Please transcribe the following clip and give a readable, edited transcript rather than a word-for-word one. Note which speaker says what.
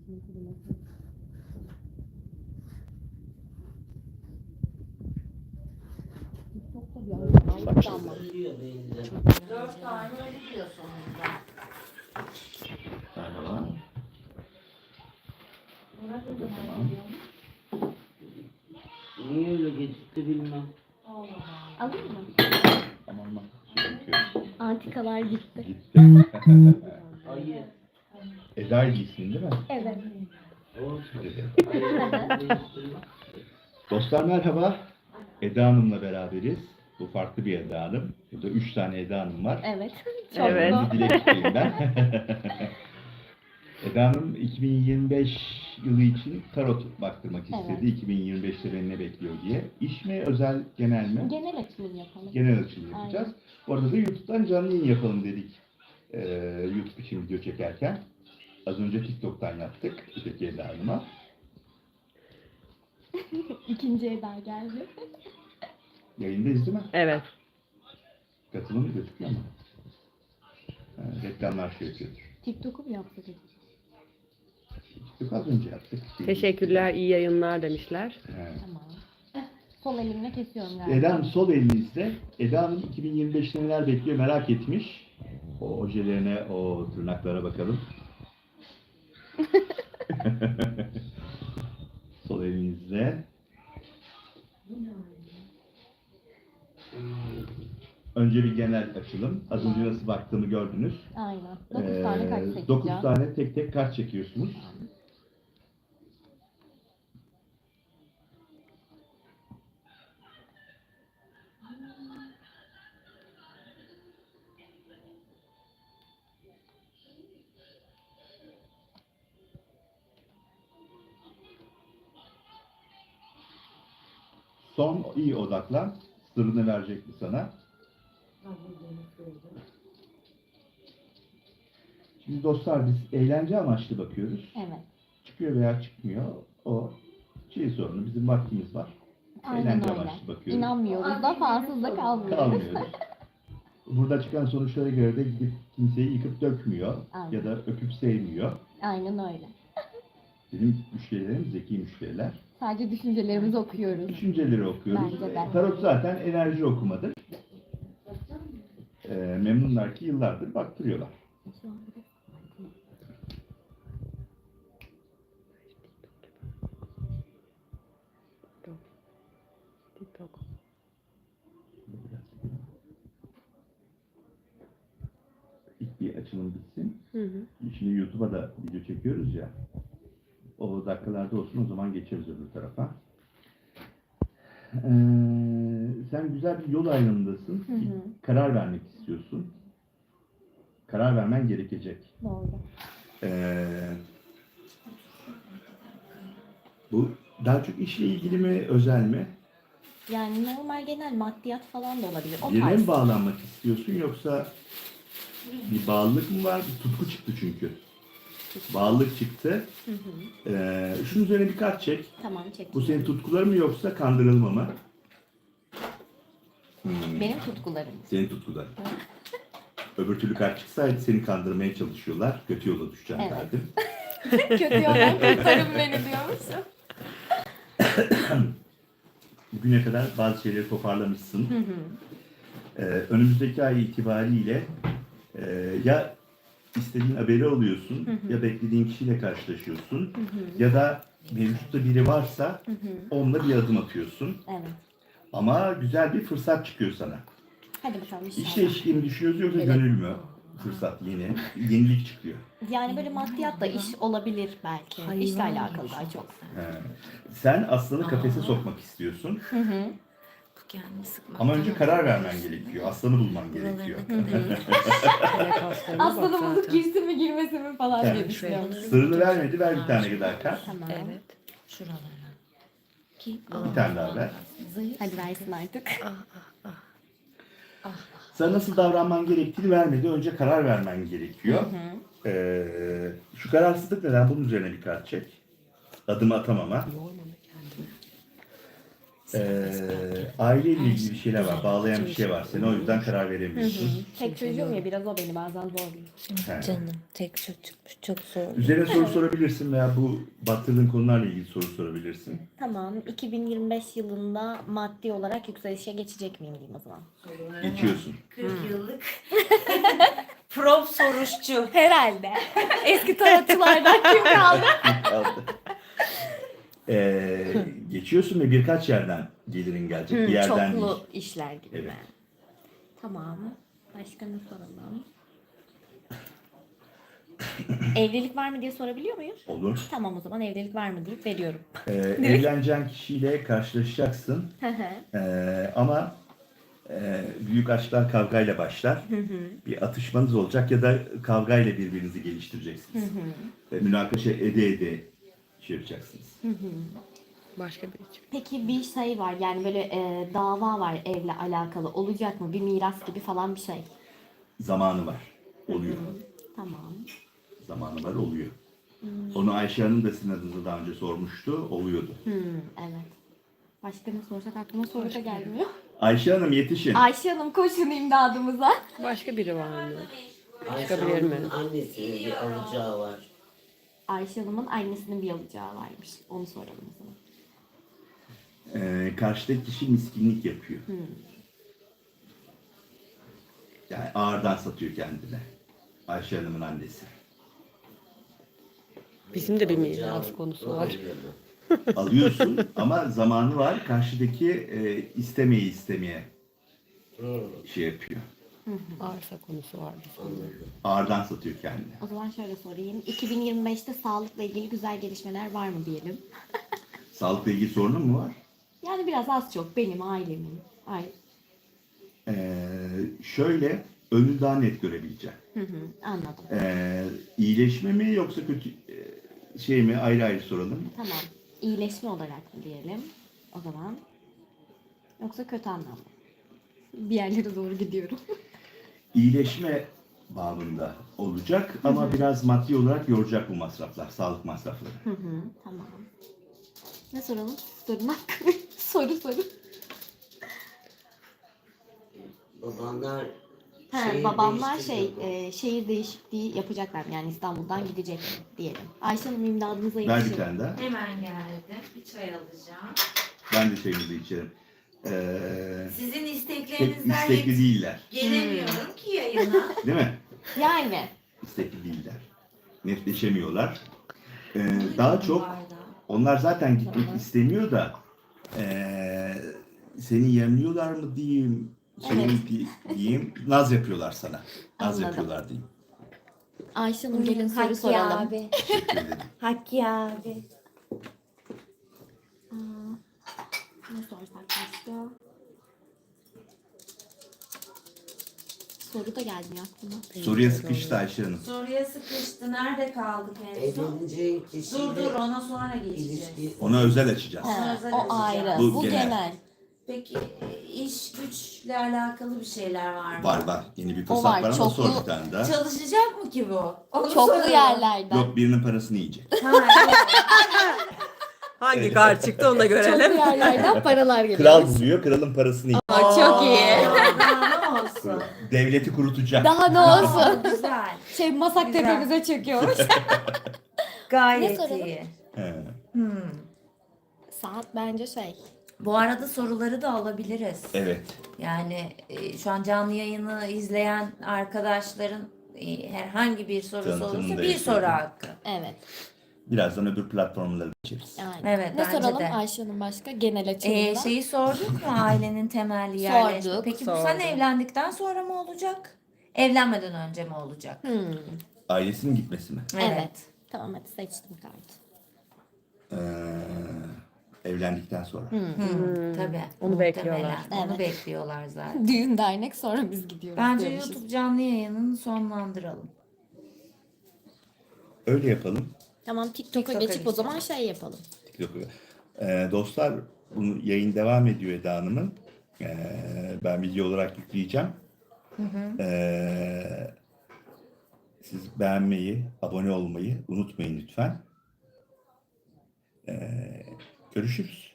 Speaker 1: TikTok'ta bir ara
Speaker 2: Başladı.
Speaker 1: ama.
Speaker 3: 4 tane öyle diyor sonunda.
Speaker 2: Merhaba.
Speaker 3: Murat
Speaker 2: Bu da
Speaker 3: Hocam
Speaker 2: tamam.
Speaker 4: Niye öyle gecikti bilmem.
Speaker 3: Allah
Speaker 1: Alayım mı?
Speaker 2: Aman aman. Çekiyor.
Speaker 1: Antikalar gitti.
Speaker 2: Gitti.
Speaker 4: Ayı.
Speaker 2: Eda giysin değil mi?
Speaker 1: Evet.
Speaker 4: Olsun.
Speaker 2: Dedi. Dostlar merhaba. Eda Hanım'la beraberiz. Bu farklı bir Eda Hanım. Burada 3 tane Eda Hanım var.
Speaker 1: Evet. Çok
Speaker 5: Evet.
Speaker 1: bu.
Speaker 2: Bir dilek tutayım ben. Eda Hanım 2025 yılı için tarot baktırmak istedi.
Speaker 1: Evet.
Speaker 2: 2025'te beni ne bekliyor diye. İş mi, özel, genel mi?
Speaker 1: Genel açılım yapalım.
Speaker 2: Genel açılım yapacağız. Bu arada da YouTube'dan canlı yayın yapalım dedik. YouTube için video çekerken. Az önce TikTok'tan yaptık. Öteki Eda Hanım'a.
Speaker 1: İkinci Eda geldi.
Speaker 2: Yayındayız değil mi?
Speaker 5: Evet.
Speaker 2: Katılım gözüküyor mu? Reklamlar şey yapıyordur.
Speaker 1: TikTok'u mu yaptık?
Speaker 2: TikTok az önce yaptık.
Speaker 5: Teşekkürler, iyi yayınlar demişler.
Speaker 2: Evet.
Speaker 1: Tamam. Sol elimle kesiyorum galiba.
Speaker 2: Eda Hanım sol elinizde. Eda Hanım 2025'te neler bekliyor merak etmiş. O ojelerine, o tırnaklara bakalım. Sol elinizde. Önce bir genel açılım. Az önce nasıl baktığımı gördünüz.
Speaker 1: Aynen. 9 tane kart çekeceğim.
Speaker 2: 9 tane tek tek kart çekiyorsunuz. Son iyi odaklan. Sırrını verecek mi sana? Şimdi dostlar biz eğlence amaçlı bakıyoruz.
Speaker 1: Evet.
Speaker 2: Çıkıyor veya çıkmıyor. O şey sorunu. Bizim vaktimiz var.
Speaker 1: Aynen
Speaker 2: Eğlence
Speaker 1: öyle.
Speaker 2: amaçlı bakıyoruz.
Speaker 1: İnanmıyoruz da falsız da kalmıyoruz.
Speaker 2: Kalmıyoruz. Burada çıkan sonuçlara göre de gidip kimseyi yıkıp dökmüyor.
Speaker 1: Aynen.
Speaker 2: Ya da öpüp sevmiyor.
Speaker 1: Aynen öyle.
Speaker 2: Benim müşterilerim zeki müşteriler.
Speaker 1: Sadece düşüncelerimizi okuyoruz.
Speaker 2: Düşünceleri okuyoruz.
Speaker 1: Bence de.
Speaker 2: Tarot zaten enerji okumadır. Memnunlar ki yıllardır baktırıyorlar.
Speaker 5: TikTok.
Speaker 2: İlk bir açılım bitsin.
Speaker 5: Hı hı.
Speaker 2: Şimdi YouTube'a da video çekiyoruz ya. O dakikalarda olsun, o zaman geçeriz öbür tarafa. Sen güzel bir yol ayrımındasın.
Speaker 1: Hı hı.
Speaker 2: Karar vermek istiyorsun. Karar vermen gerekecek.
Speaker 1: Doğru.
Speaker 2: Bu daha çok işle ilgili mi, özel mi?
Speaker 1: Yani normal genel maddiyat falan da olabilir. O
Speaker 2: Birine
Speaker 1: tarz.
Speaker 2: mi bağlanmak istiyorsun yoksa bir bağlılık mı var? Bir tutku çıktı çünkü. Bağlılık çıktı.
Speaker 1: Hı hı.
Speaker 2: Şunun üzerine bir kart çek.
Speaker 1: Tamam çek.
Speaker 2: Bu senin tutkuların mı yoksa kandırılma mı?
Speaker 1: Benim tutkularım.
Speaker 2: Senin tutkuların. Öbür türlü kart çıksaydı seni kandırmaya çalışıyorlar. Kötü yola düşeceğim
Speaker 1: Evet.
Speaker 2: derdim.
Speaker 1: Kötü yoldan kurtarın beni diyor musun?
Speaker 2: Bugüne kadar bazı şeyleri toparlamışsın.
Speaker 1: Hı hı.
Speaker 2: Önümüzdeki ay itibariyle ya istediğin haberi alıyorsun,
Speaker 1: Hı hı.
Speaker 2: ya beklediğin kişiyle karşılaşıyorsun,
Speaker 1: Hı hı.
Speaker 2: ya da mevcutta biri varsa
Speaker 1: Hı hı.
Speaker 2: onunla bir adım atıyorsun.
Speaker 1: Evet.
Speaker 2: Ama güzel bir fırsat çıkıyor sana.
Speaker 1: Hadi bakalım
Speaker 2: İş
Speaker 1: inşallah.
Speaker 2: değişikliği mi düşünüyorsun yoksa
Speaker 1: Evet.
Speaker 2: gönül mü? Fırsat yeni. Yenilik çıkıyor.
Speaker 1: Yani böyle maddiyatla iş olabilir belki. İşle alakalı daha çok.
Speaker 2: Sen aslanı kafese sokmak istiyorsun.
Speaker 1: Hı hı.
Speaker 3: Bu kendini sıkmak.
Speaker 2: Ama önce karar vermen gerekiyor. Aslanı bulman gerekiyor.
Speaker 1: Aslında bulup girsin mi girmesin mi falan diye
Speaker 2: Evet.
Speaker 1: düşünüyorum.
Speaker 2: Sırrını vermedi. Ver bir tane daha kart.
Speaker 1: Tamam.
Speaker 3: Evet. Şuralara. Ki
Speaker 2: Bir tane daha ver.
Speaker 3: zayıf.
Speaker 1: Hadi versin artık.
Speaker 2: Sana nasıl davranman gerektiğini vermedi. Önce karar vermen gerekiyor. Şu kararsızlık neden? Bunun üzerine bir kart çek. Adımı atamama. Aileyle ilgili bir şeyler var. Bağlayan bir şey var seni. O yüzden karar veremiyorsun.
Speaker 1: Tek çocuğum ya biraz o beni bazen zorluyor.
Speaker 2: He.
Speaker 3: Canım tek çocukmuş çok zor.
Speaker 2: Üzerine soru sorabilirsin veya bu battırdığın konularla ilgili soru sorabilirsin.
Speaker 1: Tamam. 2025 yılında maddi olarak yükselişe geçecek miyim diyeyim o zaman.
Speaker 2: Geçiyorsun.
Speaker 3: 40 yıllık prop soruşçu.
Speaker 1: Herhalde. Eski tarotçulardan kim kaldı?
Speaker 2: Geçiyorsun ve birkaç yerden gelirin gelecek. Bir yerden
Speaker 1: Çoklu
Speaker 2: değil.
Speaker 1: işler gibi
Speaker 2: Evet.
Speaker 1: mi? Tamam. Başka ne soralım? Evlilik var mı diye sorabiliyor muyum?
Speaker 2: Olur.
Speaker 1: Tamam o zaman evlilik var mı deyip veriyorum.
Speaker 2: Evleneceğin kişiyle karşılaşacaksın. Ama büyük aşklar kavgayla başlar. Bir atışmanız olacak ya da kavgayla birbirinizi geliştireceksiniz. Münakaşa ede şey yapacaksınız.
Speaker 5: Başka bir için.
Speaker 1: Peki bir şey var yani böyle dava var evle alakalı olacak mı? Bir miras gibi falan bir şey.
Speaker 2: Zamanı var. Oluyor.
Speaker 1: Tamam.
Speaker 2: Zamanı var, oluyor. Onu Ayşe Hanım da sizin adınıza daha önce sormuştu. Oluyordu.
Speaker 1: Evet. Başka ne sorsak aklıma soru da gelmiyor.
Speaker 2: Ayşe Hanım yetişin.
Speaker 1: Ayşe Hanım koşun imdadımıza.
Speaker 5: Başka biri var mı?
Speaker 4: Ayşe
Speaker 5: Çıkabilir mi?
Speaker 4: Hanım'ın annesinin bir alacağı var.
Speaker 1: Ayşe Hanım'ın annesinin bir alacağı varmış. Onu soralım o zaman.
Speaker 2: Karşıdaki kişi miskinlik yapıyor. Yani ağırdan satıyor kendine. Ayşe Hanım'ın annesi.
Speaker 5: Bizim de bir miras konusu var.
Speaker 2: Alıyorsun ama zamanı var. Karşıdaki istemeye şey yapıyor.
Speaker 5: Arsa konusu var bizim de.
Speaker 2: Ağırdan satıyor kendini.
Speaker 1: O zaman şöyle sorayım. 2025'te sağlıkla ilgili güzel gelişmeler var mı diyelim.
Speaker 2: Sağlıkla ilgili sorunun mu var?
Speaker 1: Yani biraz az çok benim, ailemin.
Speaker 2: Şöyle önü daha net görebileceğim.
Speaker 1: Anladım.
Speaker 2: İyileşme mi yoksa kötü şey mi, ayrı ayrı soralım.
Speaker 1: Tamam. İyileşme olarak mı diyelim o zaman? Yoksa kötü anlamda. Bir yerlere doğru gidiyorum.
Speaker 2: İyileşme babında olacak ama biraz maddi olarak yoracak bu masraflar, sağlık masrafları.
Speaker 1: Tamam. Ne soralım? Sorun hakkı. soru.
Speaker 4: Babanlar
Speaker 1: Babamlar
Speaker 4: değiştirdi.
Speaker 1: şehir değişikliği yapacaklar yani İstanbul'dan gidecek diyelim. Ayşe Hanım imdadınıza
Speaker 2: Ver bir
Speaker 1: yetişin.
Speaker 2: tane daha.
Speaker 3: Hemen geldim. Bir çay alacağım.
Speaker 2: Ben de çayımızı içerim.
Speaker 3: Sizin
Speaker 2: Pek
Speaker 3: isteklerinizden
Speaker 2: istekli değiller.
Speaker 3: gelemiyorum ki yayına.
Speaker 2: Değil mi?
Speaker 1: Yani.
Speaker 2: İstekli değiller. Netleşemiyorlar. Daha çok
Speaker 3: Bu arada.
Speaker 2: onlar zaten gitmek istemiyor da seni yemliyorlar mı diyeyim, diyeyim, naz yapıyorlar sana. Naz
Speaker 1: Anladım.
Speaker 2: yapıyorlar diyeyim.
Speaker 1: Ayşe Hanım gelin soru
Speaker 3: Hakkı
Speaker 1: soralım.
Speaker 3: abi.
Speaker 2: Teşekkür ederim.
Speaker 3: Hakkı abi.
Speaker 1: Ne sorsak başka? Soru da gelmiyor aklıma.
Speaker 2: Soruya sıkıştı Ayşe Hanım.
Speaker 3: Soruya sıkıştı. Nerede kaldık en son?
Speaker 4: Evleneceğin
Speaker 3: Dur
Speaker 4: kişiyle
Speaker 3: ona sonra geçeceğiz.
Speaker 4: ilişki
Speaker 2: Ona özel açacağız.
Speaker 1: O ayrı.
Speaker 2: Bu
Speaker 1: Bu
Speaker 2: genel.
Speaker 1: genel.
Speaker 3: Peki iş güçle alakalı bir şeyler var mı?
Speaker 2: Var. Yeni bir
Speaker 1: O
Speaker 2: fırsat
Speaker 1: var,
Speaker 2: var ama
Speaker 1: çoklu-
Speaker 2: sor bir tane daha.
Speaker 3: Çalışacak mı ki bu? Onu
Speaker 1: Çoklu
Speaker 3: soruyorum.
Speaker 1: yerlerden.
Speaker 2: Yok, birinin parasını yiyecek.
Speaker 3: Ha, yok.
Speaker 5: Hangi kar çıktı onu da
Speaker 1: Çoklu
Speaker 5: görelim.
Speaker 1: yerlerden paralar geliyor.
Speaker 2: Kral buluyor, kralın parasını yiyecek.
Speaker 1: Aa, çok iyi.
Speaker 3: Daha ne olsun?
Speaker 2: Devleti kurutacak.
Speaker 1: Daha ne olsun?
Speaker 3: Güzel.
Speaker 1: Masak
Speaker 3: Güzel.
Speaker 1: tepemize çöküyormuş.
Speaker 3: Gayet
Speaker 1: Ne soralım?
Speaker 3: iyi.
Speaker 2: He.
Speaker 1: Saat bence
Speaker 3: Bu arada soruları da alabiliriz.
Speaker 2: Evet.
Speaker 3: Yani şu an canlı yayını izleyen arkadaşların herhangi bir sorusu
Speaker 2: Tanıtımını
Speaker 3: olursa
Speaker 2: da
Speaker 3: bir soru
Speaker 2: yapıyorum.
Speaker 3: hakkı.
Speaker 1: Evet.
Speaker 2: Birazdan öbür platformlara geçeriz.
Speaker 1: Aynen.
Speaker 3: Evet,
Speaker 1: Ne
Speaker 3: bence
Speaker 1: soralım
Speaker 3: de.
Speaker 1: Ayşe Hanım başka? Genel açılımda.
Speaker 3: Şeyi sorduk mu ailenin temelli yerleşme?
Speaker 1: Sorduk,
Speaker 3: Peki bu sen
Speaker 5: sorduk.
Speaker 3: evlendikten sonra mı olacak? Evlenmeden önce mi olacak?
Speaker 2: Ailesinin gitmesi mi?
Speaker 1: Evet. Tamam hadi seçtim kartı.
Speaker 2: Evlendikten sonra.
Speaker 3: Tabii.
Speaker 5: Onu
Speaker 3: muhtemelen.
Speaker 5: bekliyorlar.
Speaker 3: Onu
Speaker 1: Evet.
Speaker 3: bekliyorlar zaten.
Speaker 1: Düğün dernek sonra biz gidiyoruz.
Speaker 3: Bence
Speaker 1: diyormuşuz.
Speaker 3: YouTube canlı yayınını sonlandıralım.
Speaker 2: Öyle yapalım.
Speaker 1: Tamam TikTok'a
Speaker 3: TikTok'a
Speaker 1: geçip o zaman yapalım.
Speaker 2: Dostlar, bunu yayın devam ediyor Eda Hanım'ın. Ben video olarak yükleyeceğim. Siz beğenmeyi, abone olmayı unutmayın lütfen. Görüşürüz.